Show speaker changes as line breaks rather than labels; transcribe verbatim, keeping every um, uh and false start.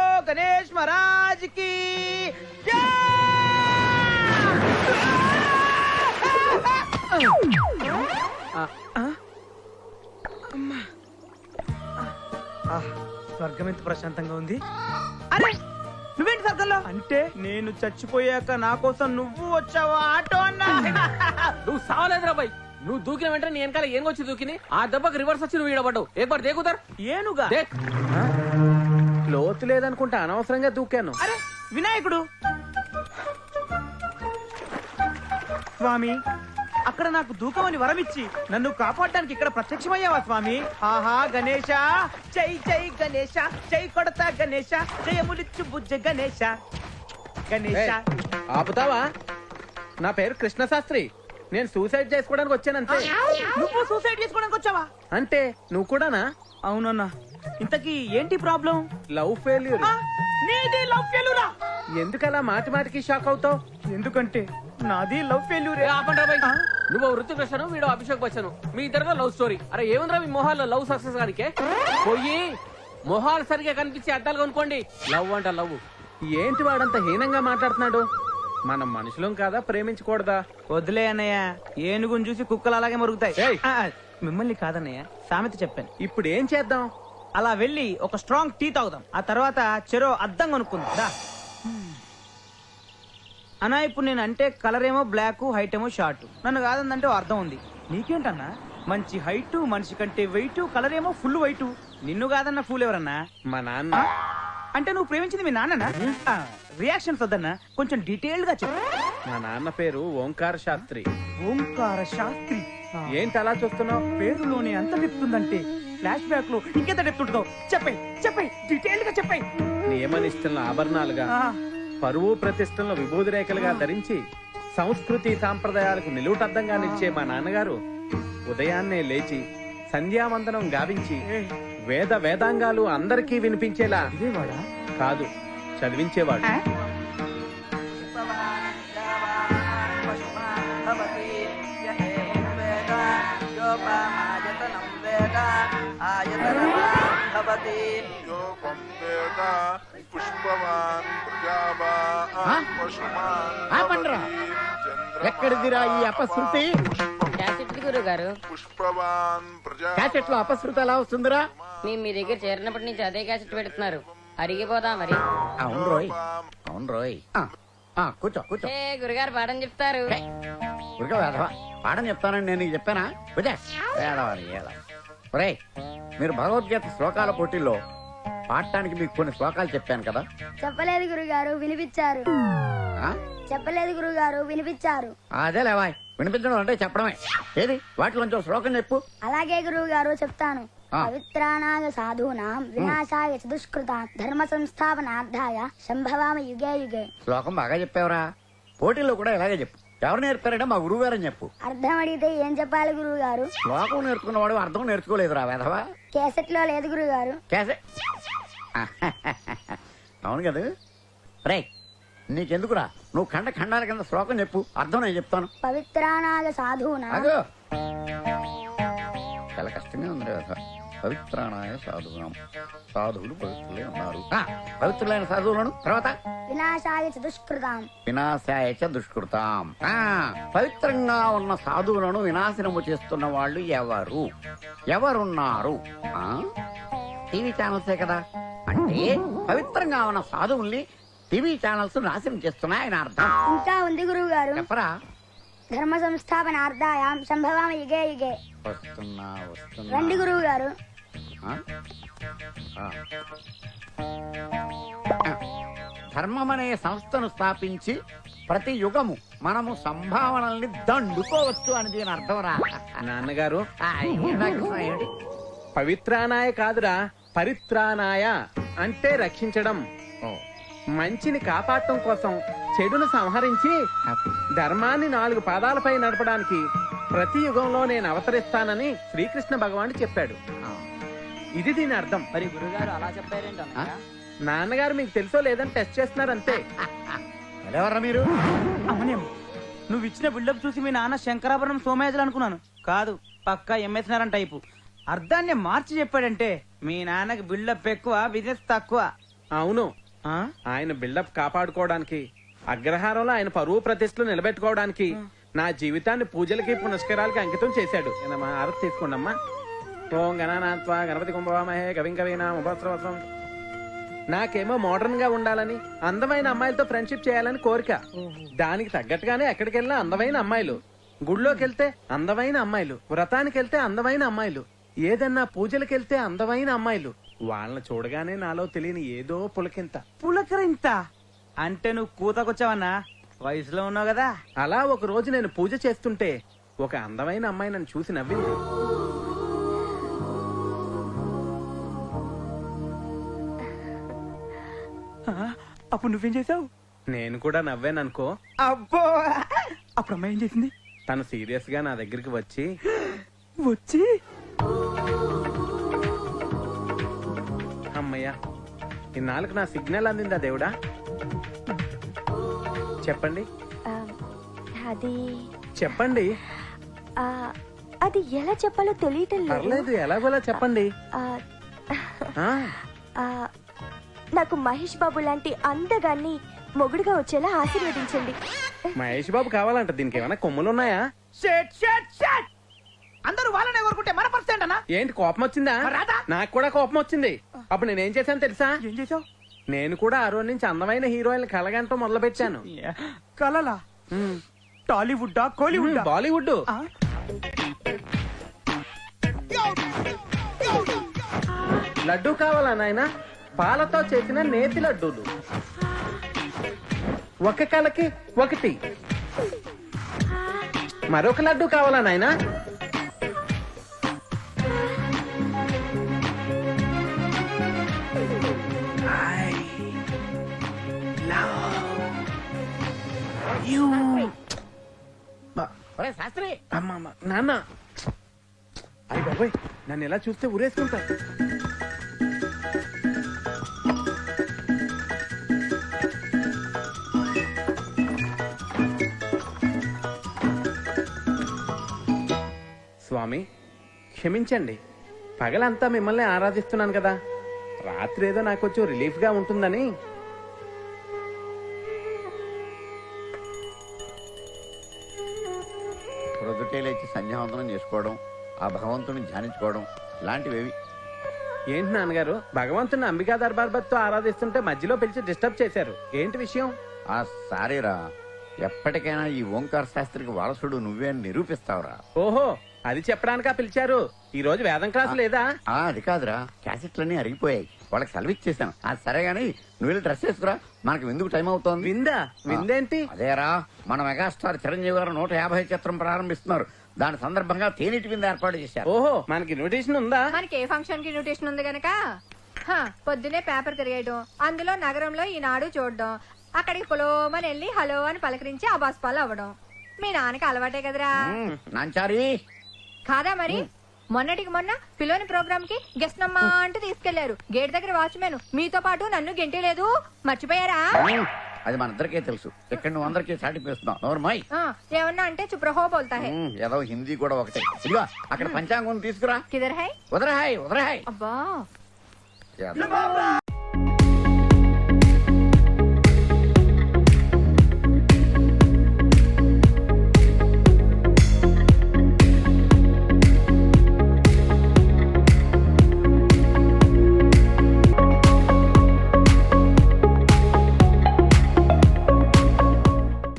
గణేష్ మహారాజ్ కి స్వర్గం ఎంత ప్రశాంతంగా ఉంది. అరే నువ్వేంటి స్వర్గంలో? అంటే నేను చచ్చిపోయాక నా కోసం నువ్వు వచ్చావా ఆటో అన్నా?
నువ్వు సావలేదురా బాయ్. నువ్వు దూకిన వెంటనే నీ వెనకాల ఏనుగొచ్చి దూకిని ఆ దెబ్బకి రివర్స్ వచ్చి నువ్వు ఈడబడ్డావు. ఏకబార్ దేకుతారు
ఏనుగా?
లోతు లేదనుకుంటా అనవసరంగా దూకాను.
అరే వినాయకుడు స్వామి, అక్కడ నాకు దూకమని వరమిచ్చి నన్ను కాపాడడానికి ఇక్కడ ప్రత్యక్షమయ్యావా స్వామి? ఆహా గణేశ, జై జై గణేశ, జై కొడతా గణేశ, జయములిచ్చు బుజ్జ గణేశ. గణేశ
ఆపుతావా? నా పేరు కృష్ణ శాస్త్రి. నేను సూసైడ్ చేసుకోవడానికి వచ్చానంతే.
నువ్వు సూసైడ్ చేసుకోవడానికి వచ్చావా?
అంటే నువ్వు కూడానా?
అవునన్నా. ఇంతకీ ఏంటి ప్రాబ్లం?
Love failure.
నీది లవ్ ఫెయిల్యూరా?
ఎందుకలా మాటి మాటికి షాక్ అవుతావు?
ఎందుకంటే నాది లవ్ ఫెయిల్యూర్.
నువ్వు వృత్తి కృష్ణను, వీడు అభిషేక్ బచ్చను. మీ ఇద్దరు లవ్ స్టోరీ. అరే ఏముందిరా మీ మొహాల్లో లవ్ సక్సెస్ గానికే? పోయి మొహాలు సరిగా కనిపించి అద్దాలు కొనుక్కోండి. లవ్ అంట లవ్. ఏంటి వాడంత హీనంగా మాట్లాడుతున్నాడు? మనం మనుషులం కాదా? ప్రేమించకూడదా?
వదిలే అన్నయ్య, ఏనుగుని చూసి కుక్కలు అలాగే మరుగుతాయి. ఆ, మిమ్మల్ని కాదన్నయ్య, సామెత చెప్పాను.
ఇప్పుడు ఏం చేద్దాం?
అలా వెళ్ళి ఒక స్ట్రాంగ్ టీ తాగుదాం. ఆ తర్వాత చెరో అద్దం కొనుక్కుందా. అన్నా ఇప్పుడు నేను అంటే కలర్ ఏమో బ్లాక్, హైట్ ఏమో షార్ట్. నన్ను కాదందంటే అర్థం ఉంది. నీకేంటన్నా? మంచి హైట్, మనిషి కంటే వెయిట్, కలర్ ఏమో ఫుల్ వైట్. నిన్ను కాదన్న ఫుల్ ఎవరన్నా?
మా నాన్న.
అంటే నువ్వు ప్రేమించింది మీ నాన్ననా? రియాక్షన్స్ వద్దన్నా, కొంచెం డీటెయిల్డ్ గా చెప్పు.
మా నాన్న పేరు ఓంకార శాస్త్రి.
ఓంకార శాస్త్రి?
ఏంటి అలా చూస్తున్నావు?
పేరులోనే అంత చెప్తుందంటే ఫ్లాష్ బ్యాక్ లో ఇంకెంత చెప్తుంటుందో చెప్పై చెప్పై డీటెయిల్డ్ గా చెప్పై.
నియమనిష్టలను ఆభరణాలుగా, పరువు ప్రతిష్టలను విభూది రేఖలుగా ధరించి సంస్కృతి సాంప్రదాయాలకు నిలువుటద్దంగా నిలిచే మా నాన్నగారు ఉదయాన్నే లేచి సంధ్యావందనం గావించి వేద వేదాంగాలు అందరికీ వినిపించేలా
ఇదేవాడా?
కాదు, చదివించేవాడు.
ఎక్కడిదిరా ఈ అపశృతి?
గురుగారు
క్యాసెట్ లో అపశృతి ఎలా వస్తుందిరా?
మేము మీ దగ్గర చేరినప్పటి నుంచి అదే క్యాసెట్ పెడుతున్నారు. అరిగిపోదా మరి?
అవును రోయ్, అవును రోయ్. కూర్చో కూర్చో.
ఏ గురుగారు పాఠం చెప్తారు.
ఉరక వేధవా, పాఠం చెప్తానని నేను నీకు చెప్పానా? ఒరే, మీరు భగవద్గీత శ్లోకాల పోటీల్లో పాడటానికి మీకు కొన్ని శ్లోకాలు చెప్పాను కదా?
చెప్పలేదు గురుగారు, వినిపించారు. చెప్పలేదు గురుగారు, వినిపించారు.
అదే లేవా, వినిపించడం అంటే చెప్పడమే. ఏది వాటిలోంచి శ్లోకం చెప్పు.
అలాగే గురువు గారు చెప్తాను. పవిత్రానాగ సాధూనాం వినాశాయ దుష్కృతాం ధర్మ సంస్థాపనార్థాయ సంభవామి యుగే యుగే.
శ్లోకం బాగా చెప్పావురా. పోటీల్లో కూడా ఇలాగే చెప్పు. ఎవరు నేర్పారంటే మా గురువు గారని చెప్పు.
అర్థం అడిగితే ఏం చెప్పాలి గురువు గారు?
శ్లోకం నేర్చుకున్నవాడు అర్థం నేర్చుకోలేదురా వేధవా.
కేసెట్ లో లేదు గురువు గారు.
కేసెట్? అవును కదా. రే నీకెందుకురా, నువ్వు ఖండ ఖండాల కింద శ్లోకం చెప్పు, అర్థం నేను చెప్తాను.
పవిత్రానాగ సాధూనా.
అదో చాలా కష్టంగా ఉంది కదా. పవిత్రానాయ సాధువునం, సాధువులు పవిత్రులే ఉన్నారు. పవిత్రులైన సాధువులను తర్వాత
వినాశాయ దుష్కృతాం
వినాశాయ దుష్కృతాం. పవిత్రంగా ఉన్న సాధువులను వినాశనము చేస్తున్న వాళ్ళు ఎవరు ఎవరున్నారు? టీవీ ఛానల్సే కదా. అంటే పవిత్రంగా ఉన్న సాధువుల్ని టీవీ ఛానల్స్ నాశనం చేస్తున్నాయని అర్థం.
ఇంకా ఉంది గురువు గారు.
చెప్పరా.
ధర్మ సంస్థాపనార్థాయాం సంభవామి యుగే యుగే.
వస్తున్నా వస్తున్నా.
రండి గురువు గారు.
ధర్మం అనే సంస్థను స్థాపించి ప్రతి యుగము మనము సంభావనల్ని దండుకోవచ్చు అని దీని అర్థం రా.
నాన్నగారు,
ఏంటి
పవిత్రానాయ కాదురా, పరిత్రానాయ అంటే రక్షించడం. మంచిని కాపాడటం కోసం చెడును సంహరించి ధర్మాన్ని నాలుగు పాదాలపై నడపడానికి ప్రతి యుగంలో నేను అవతరిస్తానని శ్రీకృష్ణ భగవానుడు చెప్పాడు. ఇది దీని అర్థం.
మరి గురుగారు అలా చెప్పారేంట?
నాన్నగారు మీకు తెలుసో లేదని టెస్ట్ చేస్తున్నారు అంతే.
ఎవరా మీరు?
అవునేమో, నువ్వు ఇచ్చిన బిల్డప్ చూసి మీ నాన్న శంకరాభరణం సోమయాజులు అనుకున్నాను. కాదు, పక్కా ఎంఎస్ నారాయణ టైపు. అర్థాన్ని మార్చి చెప్పాడంటే మీ నాన్నకి బిల్డప్ ఎక్కువ, బిజినెస్ తక్కువ.
అవును,
ఆ?
ఆయన బిల్డప్ కాపాడుకోవడానికి, అగ్రహారంలో ఆయన పరువు ప్రతిష్టలు నిలబెట్టుకోవడానికి నా జీవితాన్ని పూజలకి పునస్కారాలకి అంకితం చేశాడు. ఏనమ్మా, ఆరతి తీసుకోండి అమ్మా. ఓం గణనాథ్వా గణపతి కుంభవామహే కవిం కవీనా ఉపస్రవసం. నాకేమో మోడర్న్ గా ఉండాలని, అందమైన అమ్మాయిలతో ఫ్రెండ్షిప్ చేయాలని కోరిక. దానికి తగ్గట్టుగానే ఎక్కడికి వెళ్ళినా అందమైన అమ్మాయిలు, గుళ్ళోకి వెళ్తే అందమైన అమ్మాయిలు, వ్రతానికి వెళ్తే అందమైన అమ్మాయిలు, ఏదన్నా పూజలకు వెళ్తే అందమైన అమ్మాయిలు. వాళ్ళని చూడగానే నాలో తెలియని ఏదో పులకింత.
పులకరింత అంటే నువ్వు కూతకొచ్చావన్నా? వయసులో ఉన్నావు కదా.
అలా ఒక రోజు నేను పూజ చేస్తుంటే ఒక అందమైన అమ్మాయి నన్ను చూసి నవ్వింది.
ఆ, అప్పుడు నువ్వేం చేసావు?
నేను కూడా నవ్వాను అనుకో.
అబ్బో, అప్పుడు అమ్మాయి ఏం చేసింది?
తను సీరియస్ గా నా దగ్గరికి వచ్చి,
వచ్చి
అమ్మయ్యా ఇన్నాళ్ళకు నా సిగ్నల్ అందిందా దేవుడా? చెప్పండి
ఆ, అది
చెప్పండి.
ఆ, అది ఎలా చెప్పాలో తెలియటం లేదు
పర్లేదు, ఎలాగోలా చెప్పండి.
ఆ,
ఆ,
ఆ, నాకు మహేష్ బాబు లాంటి అందగాన్ని మొగుడుగా వచ్చేలా ఆశీర్వదించండి.
మహేష్ బాబు కావాలంట. దీనికి ఏమైనా కొమ్ములున్నాయా?
షట్ షట్ షట్ అందరూ వాళ్ళనే కోరుకుంటే మన పర్సెంట్ అన్నా?
ఏంటి కోపం వచ్చిందా?
మరి రాదా?
నాకు కూడా కోపం వచ్చింది. అప్పుడు నేనేం చేశాను తెలుసా?
ఏం చేసావు?
నేను కూడా ఆ రోజు నుంచి అందమైన హీరోయిన్ కలగంటూ మొదలు పెట్టాను.
కలలా? టాలీవుడ్డా కోలీవుడ్డా?
బాలీవుడ్.
ఆ?
లడ్డు కావాలా నాయనా? పాలతో చేసిన నేతి లడ్డూలు, ఒక కలకి ఒకటి. మరొక లడ్డు కావాలా నాయనా?
ఒరే శాస్త్రి,
అమ్మమ్మ నాన్న, అయ్య బాబాయ్, నన్ను ఎలా చూస్తే ఊరేసుకుంటా. స్వామి క్షమించండి, పగలంతా మిమ్మల్ని ఆరాధిస్తున్నాను కదా, రాత్రి ఏదో నాకు కొంచెం రిలీఫ్ గా ఉంటుందని.
ప్రొద్దుటే లేచి సంధ్యావందనం చేసుకోవడం, ఆ భగవంతుని ధ్యానించుకోవడం ఇలాంటివేవి.
ఏంటి నాన్నగారు, భగవంతుని అంబికా దర్బార్బత్తో ఆరాధిస్తుంటే మధ్యలో పిలిచి డిస్టర్బ్ చేశారు. ఏంటి విషయం?
ఆ సారీరా, ఎప్పటికైనా ఈ ఓంకార శాస్త్రికి వారసుడు నువ్వే అని నిరూపిస్తావురా.
ఓహో, అది చెప్పడానికా పిలిచారు? ఈ రోజు వేదం క్లాసు లేదా?
ఆ అది కాదురా, క్యాసెట్లన్నీ అరిగిపోయాయి, వాళ్ళకి సెలవిచ్చేసాను. ఆ సరే గానీ నువ్వు వెళ్ళి డ్రెస్ వేసుకురా, మనకు ఎందుకు టైం అవుతోంది.
విందా? విందేంటి?
అదేరా, మన మెగాస్టార్ చిరంజీవి గారు నూట యాభై చిత్రం ప్రారంభిస్తున్నారు. దాని సందర్భంగా తేనీటి విందు ఏర్పాటు చేశారు.
ఓహో, మనకి ఇన్విటేషన్ ఉందా?
మనకి ఏ ఫంక్షన్ కి ఇన్విటేషన్ ఉంది గనక హ, పొద్దునే పేపర్ తిరిగేయడం, అందులో నగరంలో ఈనాడు చూడడం, అక్కడికి పొలోమని వెళ్ళి హలో అని పలకరించి అబాస్పాలు అవ్వడం మీ నాన్నకి అలవాటే కదరా.
మ్మ్, నాంచారి
కాదా మరి? మొన్నటికి మొన్న పిల్లోని ప్రోగ్రామ్ కి గెస్ట్ నమ్మా అంటూ తీసుకెళ్లారు. గేట్ దగ్గర వాచ్మెన్ మీతో పాటు నన్ను గెంటలేదు, మర్చిపోయారా?
మ్మ్, అది మన అందరికీ తెలుసు. ఇక్కడ నువ్వు అందరికీ సాటిపిస్తున్నావు. నోర్మై,
ఆ, ఏమన్నా అంటే చుప్రహో బోల్తా హై.
ఏదో హిందీ కూడా ఒకటే. ఇదిగో అక్కడ పంచాంగం తీసుకురా.
కిదర్ హై?
వదరహాయ్ వదరహాయ్.
అబ్బా,
యాదవ్.